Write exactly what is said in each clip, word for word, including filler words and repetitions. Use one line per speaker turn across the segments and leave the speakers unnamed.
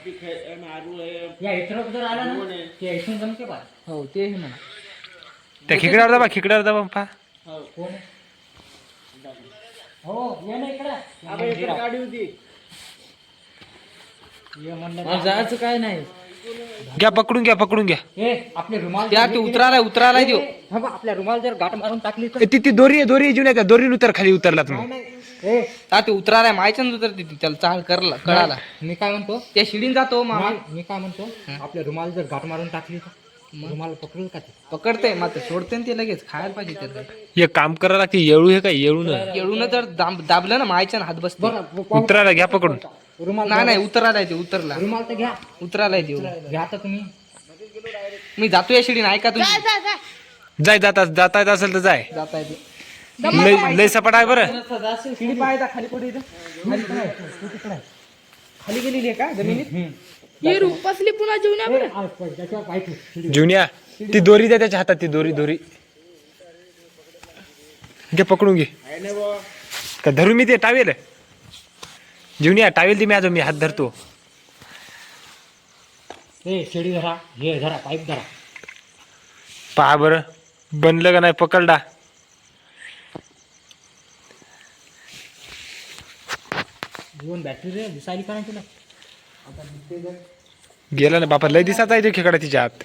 या इथं जर आला ना ते इथून जमते बा.
हो ते आहे म्हणा.
त्या खिकड्यावर दाबा खिकड्यावर दाबा पहा.
हो कोण आहे? हो ये ना इकडं गाडी होती ये म्हणलं
जायचं काय नाही.
घ्या पकडून घ्या पकडून घ्या.
ए आपले रुमाल
त्या ते उतरायला उतरायला देऊ.
हा बा आपल्या रुमाल जर गाठ मारून टाकली तर
ए, ती ती दोरी आहे दोरी जुन्या त्या दोरी उतर खाली उतरला तुम्ही.
ए
ता ते उतरायला माहिती ना उतरते ती त्याला चाल करला कळाला.
मी काय म्हणतो
त्या शिडीन जातो मामा.
मी मी काय म्हणतो आपल्या रुमाल जर गाठ मारून टाकली तर रुमाल पकडल का ते?
पकडते मात्र सोडते ना ते लगेच खायला पाहिजे त्याला.
एक काम करायला लागते येळू हे काय येळू न
येळून जर दाब- दाबलं ना मायच्या हात बसते.
बरं पाहू.
उतरायला घ्या पकडून.
रुमाल
नाही नाही उतरायला येते उतरला
रुमाल तर घ्या
उतरायला देऊ.
घ्या तर तुम्ही
मी जातो या शिडीन ऐका तुम्ही.
जाय जाता जाता येत असेल तर जाय.
जाता येते.
लय लय सपाट आहे बरं.
शिडी पाहायचा खाली कुठे इथं खाली पण आहे. तू तिकडे आहे. खाली गेलेली आहे का जमिनीत.
ये रूपासली पुन्हा जेवण
ए, आ, पण त्याच्यावर पाय ठेव.
जुन्या ती दोरी द्या त्याच्या हातात ती दोरी दोरी घे पकडून घे. का धरू मी ते टावेल जुन्या टावेल ती मी आजो मी हात धरतो.
ए शेडी धरा हे धरा पाईप धरा.
पहा बरं बनलं का नाही पकडला.
जीवन बॅटरी रे दिसायली का नाही तुला आता दिसते जर.
गेला ना बापा लय दिसाचा आहे तो खेकडा तिच्या हात.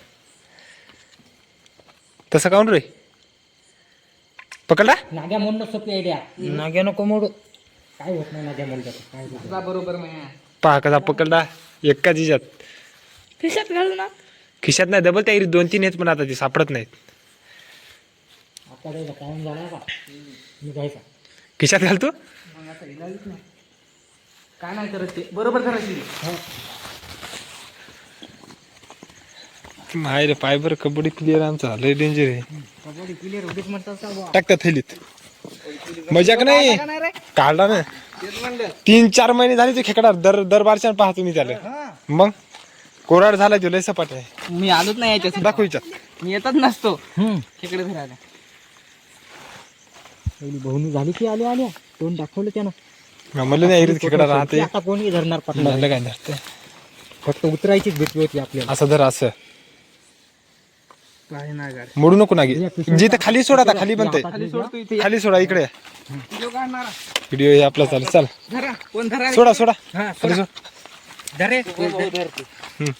तसं काऊन रे पकडला.
नाग्या म्हणणं सोपी आयडिया नाग्या नको मोड काय होत नाही नाग्या म्हणलं तर. काय होत नाही.
बरोबर मग
पहा कसा पकडला एका तिच्यात
खिशात घालू ना.
खिशात नाही डबल त्या दोन तीन आहेत पण आता ती सापडत नाहीत.
आता त्याचा टाइम झाला का मी जायचा
खिशात घालतो.
मग आता इलाजच नाही. काय नाही करत ते बरोबर करा शिडी.
माय रे पाय बरं कबड्डी प्लेअर आमचा लय डेंजर आहे.
कबड्डी क्लिअर होतीच म्हणतात का बुवा.
टाकता थैलीत मजाक नाही
नाही रे
काढला ना.
तेच म्हणलं.
तीन चार महिने झाले ते खेकडा दर दर बारच्या पाहा तुम्ही त्याला. मग कोराड झाला तो लय सपाट आहे.
मी आलोच नाही याच्यात.
दाखव हिच्यात.
मी येतच नसतो
हम्म
तिकडे फिरायला.
पहिली बहुनी झाली की आली आल्या तोंड दाखवलं त्यानं.
मला नाही ऐरीत खेकडा राहते.
आता कोणी धरणार पकडणार.
म्हणलं काय धरते
फक्त उतरायचीच भीती होती आपल्याला.
असं धर असं
काय नाही गाडी.
मोडू नको ना जिथे खाली सोडा आता खाली बनते
खाली सोडतो इथे.
खाली सोडा इकडे
व्हिडिओ काढणारा
व्हिडिओ हे आपला चालू चाल
धरा कोण धरा रे?
सोडा सोडा
हा
खाली सोड.
धरे
हम्म.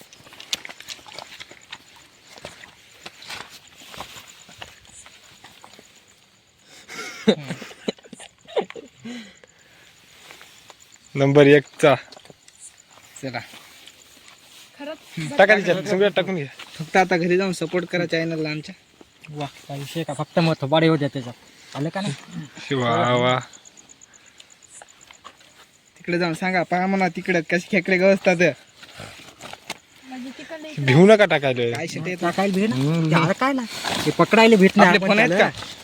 नंबर एक चा
चला
खरंच
टाका तिच्यात सगळ्यात टाकून घ्या.
फक्त आता घरी जाऊन सपोर्ट करा चॅनलला आमच्या.
वा काय विषय का फक्त मग थोबाडे होत्या त्याच्यात आलं का नाही.
वा वा
तिकडे जाऊन सांगा पहा म्हणा तिकडे कसे खेकडे गवसतात.
म्हणजे तिकडे
भिवू नका टाकायला.
काय शेट येत
टाकायला भेट ना काय ना ते पकडायला भेटणार
आपले फोन आहेत का?